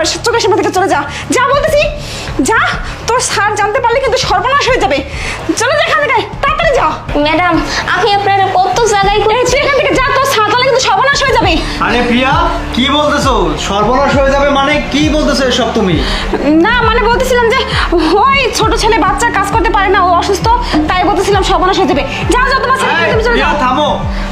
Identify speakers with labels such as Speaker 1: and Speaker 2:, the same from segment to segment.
Speaker 1: আমার চোখের সামনে থেকে চলে যা, যা বলতেছি, যা। তোর স্যার জানতে পারলে কিন্তু সর্বনাশ হয়ে যাবে। চলে যা এখান থেকে, তাড়াতাড়ি যা।
Speaker 2: ম্যাডাম আমি আপনার কত জায়গায়
Speaker 1: তুই এখান থেকে যা, তোর স্যার জানলে কিন্তু সর্বনাশ হয়ে যাবে।
Speaker 3: আরে প্রিয়া, কি বলতেছো? সর্বনাশ হয়ে যাবে মানে কি বলতেছো এসব তুমি?
Speaker 1: না মানে বলতেছিলাম যে ওই ছোট ছেলে বাচ্চা কাজ করতে পারে না, ও অসুস্থ, তাই বলতেছিলাম সর্বনাশ হয়ে যাবে। যা যা, তোমার ছেলে তুমি চলে
Speaker 3: প্রিয়া
Speaker 1: যাও।
Speaker 3: থামো।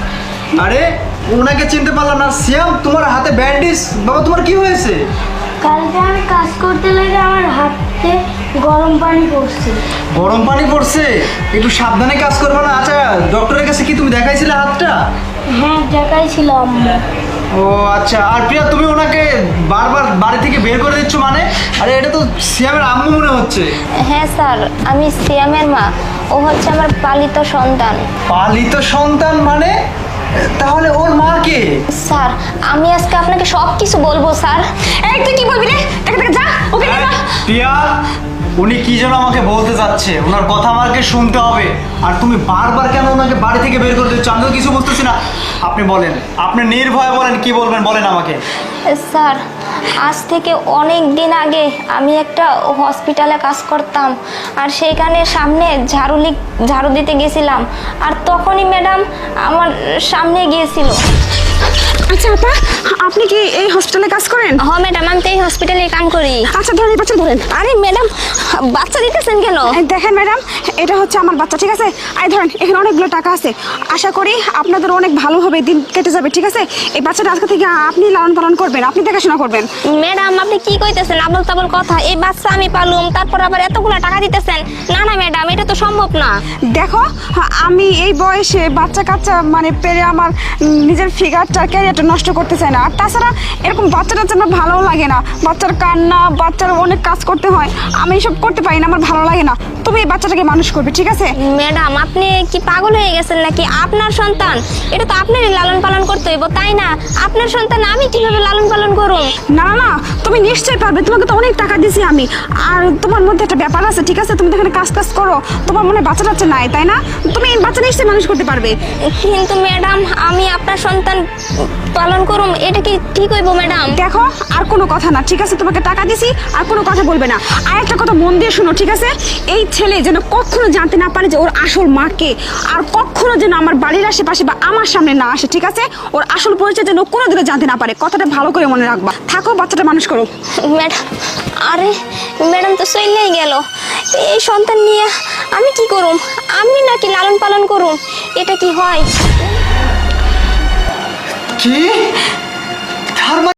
Speaker 3: আরে ওনাকে চিনতে পারলাম না। সিয়াম, তোমার হাতে ব্যান্ডেজ। বাবা তোমার কি হয়েছে?
Speaker 4: কালকে আমি কাজ করতে লেগে আমার হাতে গরম পানি পড়ছে।
Speaker 3: গরম পানি পড়ছে? একটু সাবধানে কাজ করবে না? আচ্ছা, ডক্টরের কাছে কি তুমি দেখাইছিলে হাতটা?
Speaker 4: হ্যাঁ দেখাইছিলাম।
Speaker 3: ও আচ্ছা। আর প্রিয়া, তুমি ওনাকে বারবার বাড়ি থেকে বের করে দিচ্ছ মানে? আরে এটা তো সিয়ামের আম্মু মনে হচ্ছে।
Speaker 2: হ্যাঁ স্যার, আমি সিয়ামের মা, ও হচ্ছে আমার পালিত সন্তান।
Speaker 3: পালিত সন্তান মানে? তাহলে ওর মা কে?
Speaker 2: স্যার আমি আজকে আপনাকে সব কিছু বলবো স্যার।
Speaker 1: এই তুই কি বলবি রে? দেখে যা, ওকে নিয়ে যা।
Speaker 3: প্রিয়া, উনি কি যেন আমাকে বলতে চাচ্ছে, ওনার কথা আমাকে শুনতে হবে। আর তুমি বারবার কেন ওনাকে বাড়ি থেকে বের করে দিচ্ছ? আমি তো কিছু বুঝতেছি না। আপনি বলেন, আপনি নির্ভয়ে বলেন, কি বলবেন বলেন আমাকে।
Speaker 2: স্যার আজ থেকে অনেক দিন আগে আমি একটা হসপিটালে কাজ করতাম, আর সেইখানে সামনে ঝাড়ু দিতে গেছিলাম, আর তখনই ম্যাডাম আমার সামনে গিয়েছিল।
Speaker 1: আচ্ছা আপা, আপনি কি এই হসপিটালে কাজ করেন?
Speaker 2: হ্যাঁ ম্যাডাম, আমি তো এই হসপিটালে কাম করি।
Speaker 1: আচ্ছা ধরেন, এই বাচ্চা ধরেন।
Speaker 2: আরে ম্যাডাম, বাচ্চা দিতেছেন কেন?
Speaker 1: এই দেখেন ম্যাডাম, এটা হচ্ছে আমার বাচ্চা, ঠিক আছে? আই ধরেন, এখানে অনেকগুলো টাকা আছে, আশা করি আপনাদের অনেক ভালোভাবে দিন কেটে যাবে, ঠিক আছে? এই বাচ্চাটা আজকে থেকে আপনি লালন পালন করবেন, আপনি দেখাশোনা করবেন।
Speaker 2: ম্যাডাম আপনি কি কইতেছেন আবল তাবল কথা? এই বাচ্চা আমি পালুম, তারপর আবার এতগুলো টাকা দিতেছেন? না না ম্যাডাম, এটা তো সম্ভব না।
Speaker 1: দেখো, আমি এই বয়সে বাচ্চা কাচ্চা মানে পেরে আমার নিজের ফিগারটা ক্যারিয়ারটা নষ্ট করতে চাই না। আর তাছাড়া এরকম বাচ্চা টাচ্চা আমার ভালোও লাগে না, বাচ্চার কান্না, বাচ্চার অনেক কাজ করতে হয়, আমি এসব করতে পারি না, আমার ভালো লাগে না। তুমি এই বাচ্চাটাকে মানুষ করবে, ঠিক আছে?
Speaker 2: ম্যাডাম আপনি কি পাগল হয়ে গেছেন নাকি? আপনার সন্তান, এটা তো আপনারই লালন পালন করতে হইব, তাই না? আপনার সন্তান আমি কিভাবে লালন পালন করুন?
Speaker 1: না না না, তুমি নিশ্চয়ই পারবে, তোমাকে তো অনেক টাকা দিছি আমি। আর তোমার মধ্যে একটা ব্যাপার আছে, ঠিক আছে? তুমি তো এখানে কাজ করো, তোমার মনে বাচ্চা টাচ্চা নাই, তাই না? তুমি এই বাচ্চা নিশ্চয়ই মানুষ করতে পারবে।
Speaker 2: কিন্তু ম্যাডাম আমি আপনার সন্তান পালন করুম, এটা কি ঠিক হইব ম্যাডাম?
Speaker 1: দেখো, আর কোনো কথা না, ঠিক আছে? তোমাকে টাকা দিছি, আর কোনো কথা বলবে না। আর একটা কথা মন দিয়ে শোনো, ঠিক আছে? এই ছেলে যেন কখনো জানতে না পারে যে ওর আসল মাকে, আর কখনো যেন আমার বাড়ির আশেপাশে বা আমার সামনে না আসে, ঠিক আছে? ওর আসল পরিচয় যেন কোনোদিনও জানতে না পারে, কথাটা ভালো করে মনে রাখবা। থাকো, বাচ্চাটা মানুষ করো।
Speaker 2: ম্যাডাম, আরে ম্যাডাম তো চলেই গেল, এই সন্তান নিয়ে আমি কি করুম? আমি নাকি লালন পালন করুম? এটা কি হয়?
Speaker 3: কি? তার